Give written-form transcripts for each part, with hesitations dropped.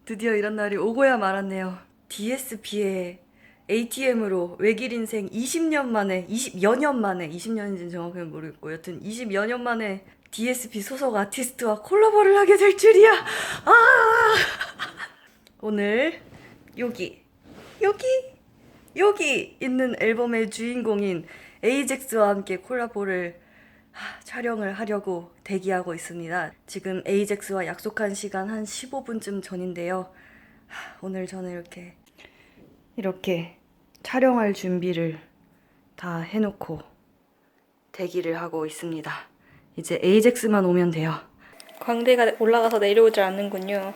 드디어 이런 날이 오고야 말았네요. DSP의 ATM으로 외길 인생 20년 만에, 20여 년 만에, 20년인지는 정확하게 모르겠고 여튼 20여 년 만에 DSP 소속 아티스트와 콜라보를 하게 될 줄이야. 아! 오늘 여기 있는 앨범의 주인공인 에이젝스와 함께 콜라보를 촬영을 하려고 대기하고 있습니다. 지금 에이젝스와 약속한 시간 한 15분쯤 전인데요. 오늘 저는 이렇게 촬영할 준비를 다 해놓고 대기를 하고 있습니다. 이제 에이젝스만 오면 돼요. 광대가 올라가서 내려오질 않는군요.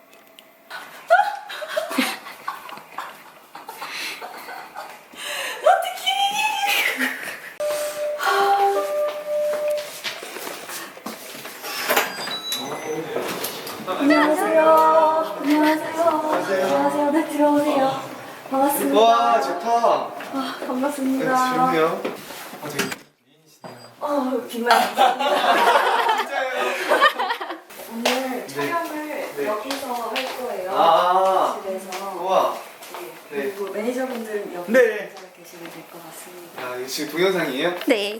안녕하세요. 안녕하세요. 네, 들어오세요. 반갑습니다. 와 좋다. 반갑습니다. 좋네요. 되게 미인이시네요. 빈말 감사합니다. 진짜요? 오늘 촬영을 여기서 할 거예요. 아. 집에서. 우와. 네. 그리고 매니저분들 여기 네. 앉아 계시면 될 것 같습니다. 아 이거 지금 동영상이에요? 네.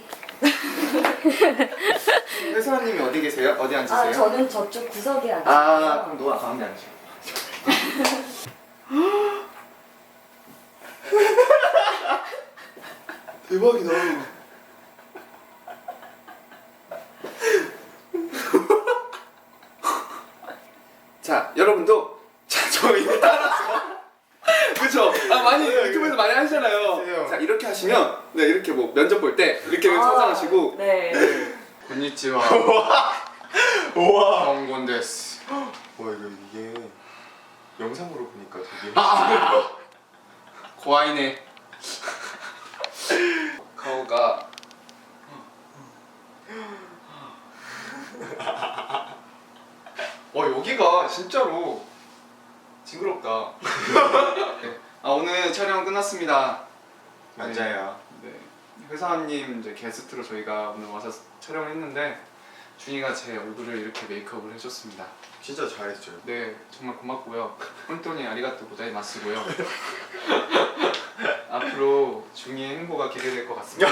회사님이 어디 계세요? 어디 앉으세요? 저는 저쪽 구석에 앉아요. 아 그럼 너 가운데 앉으세요. 대박이다. 자 여러분도 저 이거 따라서 그쵸? 많이 유튜브에서 많이 하시잖아요. 자 이렇게 하시면 네 이렇게 뭐 면접 볼 때 이렇게 서장하시고 네. konnichiwa. 우와. 정곤데스. 와 이게 영상으로 보니까 되게 고아이네. 가오가 여기가 진짜로 징그럽다. 네. 오늘 촬영 끝났습니다. 맞아요. 네. 회사원님 이제 게스트로 저희가 오늘 와서 촬영을 했는데 준이가 제 얼굴을 이렇게 메이크업을 해줬습니다. 진짜 잘했죠. 네, 정말 고맙고요. 혼돈이 아리가또 고자이마스고요. 앞으로 중이의 행보가 기대될 것 같습니다.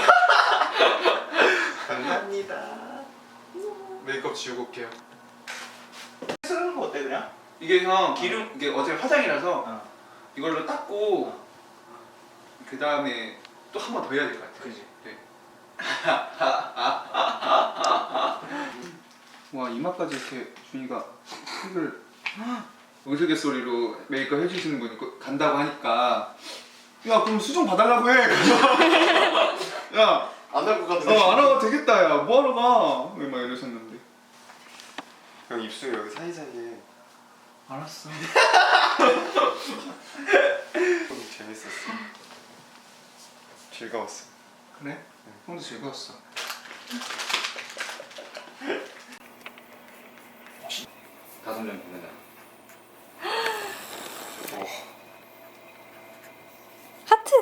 감사합니다. 메이크업 지우고 올게요. 쓰는 거 어때 그냥? 이게 형 기름 이게 어제 화장이라서 이걸로 닦고 그 다음에 또 한 번 더 해야 될 것 같아. 그지? 네. 와 이마까지 이렇게 준이가 흙을 우스갯소리로 메이크업 해주시는 분이 간다고 하니까 야 그럼 수정 봐달라고 해. 야 안 할 것 같은데. 안 하고 되겠다 야 뭐하러 가? 막 이러셨는데. 형 입술 여기 사이사이에. 알았어. 재밌었어. 즐거웠어. 그래? 형도 즐거웠어. 다섯 명 보내자. 하트!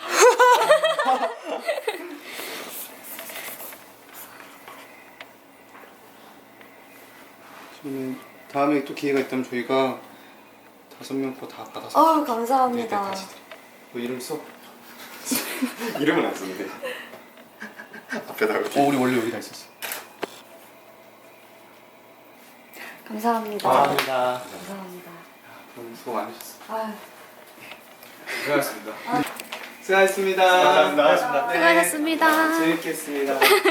저는 다음에 또 기회가 있다면 저희가 5명 거 다 받아서 감사합니다. 다시 드릴게요. 너 이름 써? 이름은 안 썼는데. 앞에다가. 우리 원래 여기다 있었어. 감사합니다. 감사합니다. 감사합니다. 오늘 수고 많으셨어. 아유. 수고하셨습니다. 수고하셨습니다. 감사합니다. 네. 수고하셨습니다. 재밌게 했습니다.